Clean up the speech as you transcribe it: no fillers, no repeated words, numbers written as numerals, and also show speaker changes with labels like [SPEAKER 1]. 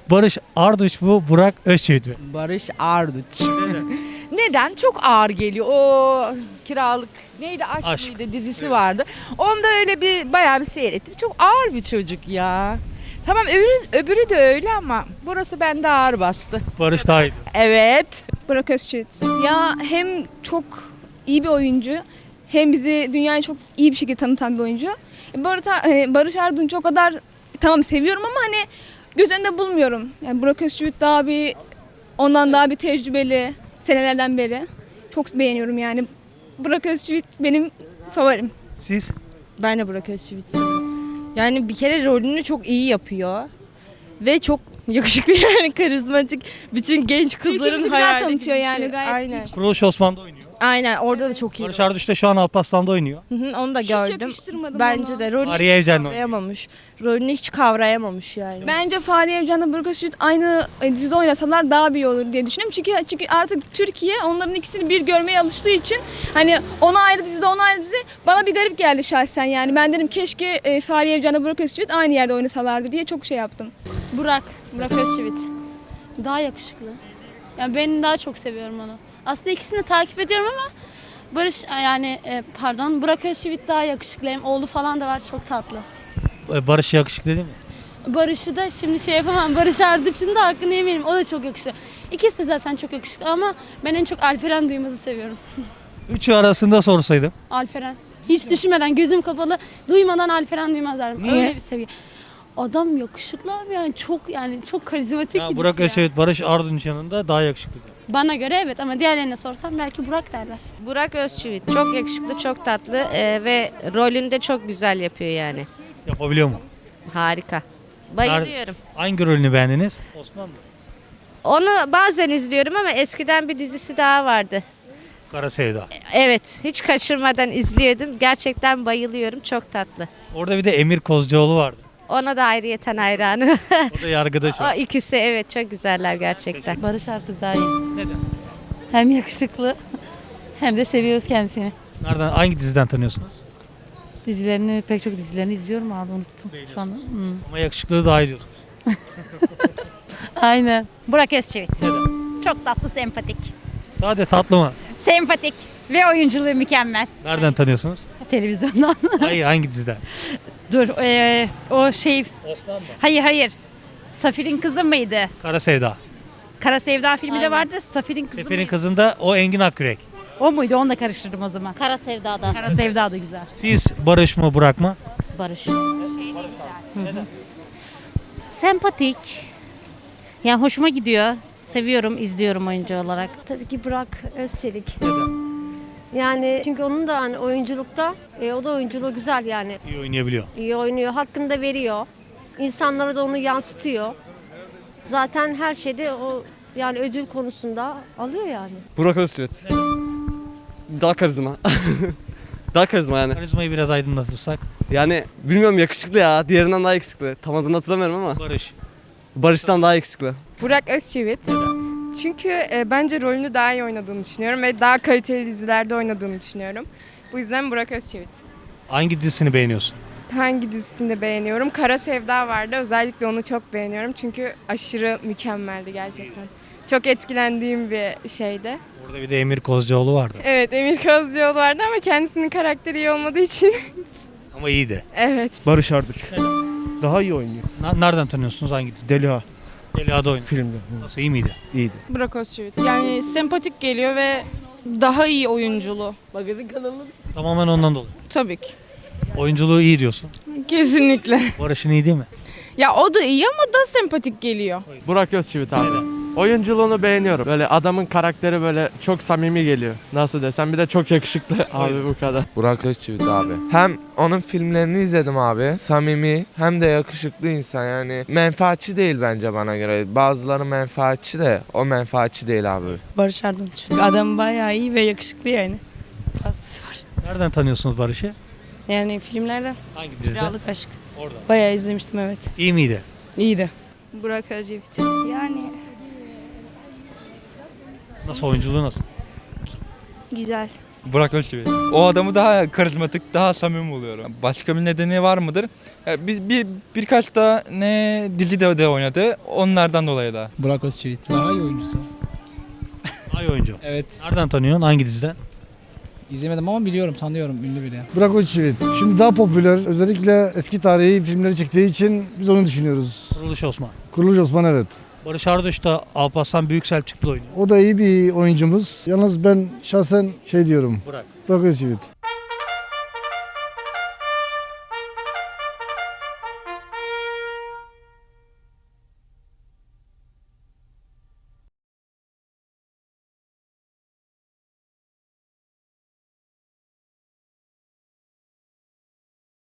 [SPEAKER 1] Barış Arduç mu, Burak Özçivit mi?
[SPEAKER 2] Barış Arduç. Neden? Çok ağır geliyor. O kiralık neydi? Aşk mıydı? Dizisi vardı. Onda öyle bir bayağı bir seyrettim. Çok ağır bir çocuk ya. Tamam öbürü de öyle ama burası bende ağır bastı.
[SPEAKER 1] Barış daha iyi.
[SPEAKER 2] Evet.
[SPEAKER 3] Burak Özçivit. Ya hem çok iyi bir oyuncu hem bizi dünyaya çok iyi bir şekilde tanıtan bir oyuncu. Barış Arduç'u o kadar tamam seviyorum ama hani göz önünde bulmuyorum. Yani Burak Özçivit ondan daha bir tecrübeli senelerden beri. Çok beğeniyorum yani. Burak Özçivit benim favorim.
[SPEAKER 1] Siz?
[SPEAKER 4] Ben de Burak Özçivit. Yani bir kere rolünü çok iyi yapıyor. Ve çok yakışıklı yani karizmatik. Bütün genç kızların
[SPEAKER 3] Ülkemizi güzel
[SPEAKER 4] hayali
[SPEAKER 3] tanıtıyor
[SPEAKER 4] gibi bir
[SPEAKER 3] yani,
[SPEAKER 4] şey.
[SPEAKER 3] gayet
[SPEAKER 4] Aynen.
[SPEAKER 1] Kuruluş Osman'da oynuyor.
[SPEAKER 4] Aynen orada da çok iyi.
[SPEAKER 1] Barış Arduç da şu an Alparslan'da oynuyor.
[SPEAKER 4] Hı hı, onu da
[SPEAKER 3] Hiç
[SPEAKER 4] gördüm.
[SPEAKER 3] yakıştırmadım
[SPEAKER 4] Bence
[SPEAKER 3] ona.
[SPEAKER 4] de rolünü
[SPEAKER 1] Fahriye
[SPEAKER 4] hiç
[SPEAKER 1] Evcen'le oynuyor.
[SPEAKER 4] kavrayamamış. Rolünü hiç kavrayamamış yani.
[SPEAKER 3] Bence Fahriye Evcen'le Burak Özçivit aynı dizide oynasalar daha bir iyi olur diye düşünüyorum. Çünkü artık Türkiye onların ikisini bir görmeye alıştığı için hani ona ayrı dizide ona ayrı dizi bana bir garip geldi şahsen yani. Ben dedim keşke Fahriye Evcen'le Burak Özçivit aynı yerde oynasalardı diye çok şey yaptım.
[SPEAKER 5] Burak Özçivit. Daha yakışıklı. Yani ben daha çok seviyorum onu. Aslında ikisini de takip ediyorum ama Burak Özçivit daha yakışıklı. Hem oğlu falan da var, çok tatlı.
[SPEAKER 1] Barış yakışıklı değil mi?
[SPEAKER 5] Barış'ı da şimdi şey yapamam. Barış Arduç'un da hakkını yemeyelim. O da çok yakışıklı. İkisi de zaten çok yakışıklı ama ben en çok Alperen Duymaz'ı seviyorum.
[SPEAKER 1] Üçü arasında sorsaydım.
[SPEAKER 5] Alperen. Hiç düşünmeden, gözüm kapalı, duymadan Alperen Duymaz derim.
[SPEAKER 1] Niye?
[SPEAKER 5] Öyle bir seviye. Adam yakışıklı abi yani çok karizmatik
[SPEAKER 1] Ya
[SPEAKER 5] birisi
[SPEAKER 1] Burak
[SPEAKER 5] ya.
[SPEAKER 1] Özçivit Barış Arduç yanında daha yakışıklı.
[SPEAKER 5] Bana göre evet ama diğerlerine sorsam belki Burak derler.
[SPEAKER 6] Burak Özçivit çok yakışıklı, çok tatlı ve rolünü de çok güzel yapıyor yani.
[SPEAKER 1] Yapabiliyor mu?
[SPEAKER 6] Harika. Bayılıyorum.
[SPEAKER 1] Hangi rolünü beğendiniz? Osman mı?
[SPEAKER 6] Onu bazen izliyorum ama eskiden bir dizisi daha vardı.
[SPEAKER 1] Kara Sevda.
[SPEAKER 6] Evet, hiç kaçırmadan izliyordum. Gerçekten bayılıyorum, çok tatlı.
[SPEAKER 1] Orada bir de Emir Kozcuoğlu vardı.
[SPEAKER 6] Ona da ayrıyeten hayranım.
[SPEAKER 1] O da yargıda şu
[SPEAKER 6] O
[SPEAKER 1] an.
[SPEAKER 6] ikisi evet çok güzeller gerçekten.
[SPEAKER 7] Barış artık daha iyi.
[SPEAKER 1] Neden?
[SPEAKER 7] Hem yakışıklı hem de seviyoruz kendisini.
[SPEAKER 1] Nereden, hangi diziden tanıyorsunuz?
[SPEAKER 7] Pek çok dizilerini izliyorum abi, unuttum şu anda.
[SPEAKER 1] Ama yakışıklığı daha iyi diyorsunuz.
[SPEAKER 7] Aynen.
[SPEAKER 8] Burak Özçivit.
[SPEAKER 1] Neden?
[SPEAKER 8] Çok tatlı, sempatik.
[SPEAKER 1] Sade tatlı mı?
[SPEAKER 8] Sempatik ve oyunculuğu mükemmel.
[SPEAKER 1] Nereden tanıyorsunuz?
[SPEAKER 7] Televizyondan.
[SPEAKER 1] Hayır, hangi diziden?
[SPEAKER 7] Dur o şey,
[SPEAKER 1] Osman mı?
[SPEAKER 7] hayır. Safir'in kızı mıydı?
[SPEAKER 1] Kara Sevda.
[SPEAKER 7] Kara Sevda filmi de vardı. Safir'in kızı
[SPEAKER 1] Sefer'in
[SPEAKER 7] mıydı?
[SPEAKER 1] kızında o Engin Akyürek.
[SPEAKER 7] O muydu? Onu da karıştırdım o zaman.
[SPEAKER 8] Kara Sevda'da.
[SPEAKER 7] Kara Sevda da güzel.
[SPEAKER 1] Siz Barış mı, Burak mı?
[SPEAKER 8] Barış. Sempatik. Yani hoşuma gidiyor. Seviyorum, izliyorum oyuncu olarak.
[SPEAKER 9] Tabii ki Burak Özçelik.
[SPEAKER 1] Neden?
[SPEAKER 9] Yani çünkü onun da hani oyunculukta, o da oyunculuğu güzel yani.
[SPEAKER 1] İyi oynayabiliyor.
[SPEAKER 9] İyi oynuyor, hakkını da veriyor. İnsanlara da onu yansıtıyor. Zaten her şeyde o yani ödül konusunda alıyor yani.
[SPEAKER 10] Burak Özçivit. Daha karizma. Daha karizma yani.
[SPEAKER 1] Karizmayı biraz aydınlatırsak.
[SPEAKER 10] Yani bilmiyorum yakışıklı ya. Diğerinden daha yakışıklı. Tam adını hatırlamıyorum ama.
[SPEAKER 1] Barış.
[SPEAKER 10] Barış'tan daha yakışıklı.
[SPEAKER 11] Burak Özçivit. Çünkü bence rolünü daha iyi oynadığını düşünüyorum ve daha kaliteli dizilerde oynadığını düşünüyorum. Bu yüzden Burak Özçivit.
[SPEAKER 1] Hangi dizisini beğeniyorsun?
[SPEAKER 11] Hangi dizisini de beğeniyorum? Kara Sevda vardı. Özellikle onu çok beğeniyorum. Çünkü aşırı mükemmeldi gerçekten. Çok etkilendiğim bir şeydi.
[SPEAKER 1] Orada bir de Emir Kozcuoğlu vardı.
[SPEAKER 11] Evet, Emir Kozcuoğlu vardı ama kendisinin karakteri iyi olmadığı için.
[SPEAKER 1] Ama iyiydi.
[SPEAKER 11] Evet.
[SPEAKER 12] Barış Arduç. Daha iyi oynuyor.
[SPEAKER 1] Nereden tanıyorsunuz, hangi dizi?
[SPEAKER 12] Deliha
[SPEAKER 1] Delia'da oynuyor.
[SPEAKER 12] filmde.
[SPEAKER 1] Nasıl, iyi miydi?
[SPEAKER 12] İyiydi.
[SPEAKER 2] Burak Özçivit. Yani sempatik geliyor ve daha iyi oyunculuğu.
[SPEAKER 1] Tamamen ondan dolayı.
[SPEAKER 2] Tabii ki.
[SPEAKER 1] Oyunculuğu iyi diyorsun.
[SPEAKER 2] Kesinlikle.
[SPEAKER 1] Barış'ın iyi değil mi?
[SPEAKER 2] Ya o da iyi ama da sempatik geliyor.
[SPEAKER 10] Burak Özçivit abi. Oyunculuğunu beğeniyorum. Böyle adamın karakteri böyle çok samimi geliyor. Nasıl desem bir de çok yakışıklı abi bu kadar.
[SPEAKER 13] Burak Özçivit abi. Hem onun filmlerini izledim abi. Samimi hem de yakışıklı insan yani. Menfaatçi değil bence bana göre. Bazıları menfaatçi de o menfaatçi değil abi.
[SPEAKER 2] Barış Arduç. Adam bayağı iyi ve yakışıklı yani. Fazlası var.
[SPEAKER 1] Nereden tanıyorsunuz Barış'ı?
[SPEAKER 2] Yani filmlerden.
[SPEAKER 1] Hangi dizide?
[SPEAKER 2] Kiralık Aşk.
[SPEAKER 1] Orada.
[SPEAKER 2] Bayağı izlemiştim evet.
[SPEAKER 1] İyi miydi?
[SPEAKER 2] İyiydi.
[SPEAKER 11] Burak Özçivit.
[SPEAKER 9] Yani
[SPEAKER 1] Nasıl, oyunculuğu nasıl?
[SPEAKER 9] güzel.
[SPEAKER 14] Burak Özçivit. O adamı daha karizmatik, daha samimi buluyorum. Başka bir nedeni var mıdır? Birkaç da ne dizide de oynadı. Onlardan dolayı da.
[SPEAKER 15] Burak Özçivit. Daha iyi oyuncusu.
[SPEAKER 1] Ay oyuncu.
[SPEAKER 15] Evet.
[SPEAKER 1] Nereden tanıyorsun? Hangi diziden?
[SPEAKER 15] İzlemedim ama biliyorum, tanıyorum. Ünlü biri.
[SPEAKER 12] Burak Özçivit. Şimdi daha popüler. Özellikle eski tarihi filmleri çektiği için biz onu düşünüyoruz.
[SPEAKER 1] Kuruluş Osman.
[SPEAKER 12] Kuruluş Osman evet.
[SPEAKER 1] Barış Arduç da Alparslan Büyükselçuklu oynuyor.
[SPEAKER 12] O da iyi bir oyuncumuz. Yalnız ben şahsen diyorum.
[SPEAKER 1] Burak.
[SPEAKER 12] Burak Özçivit.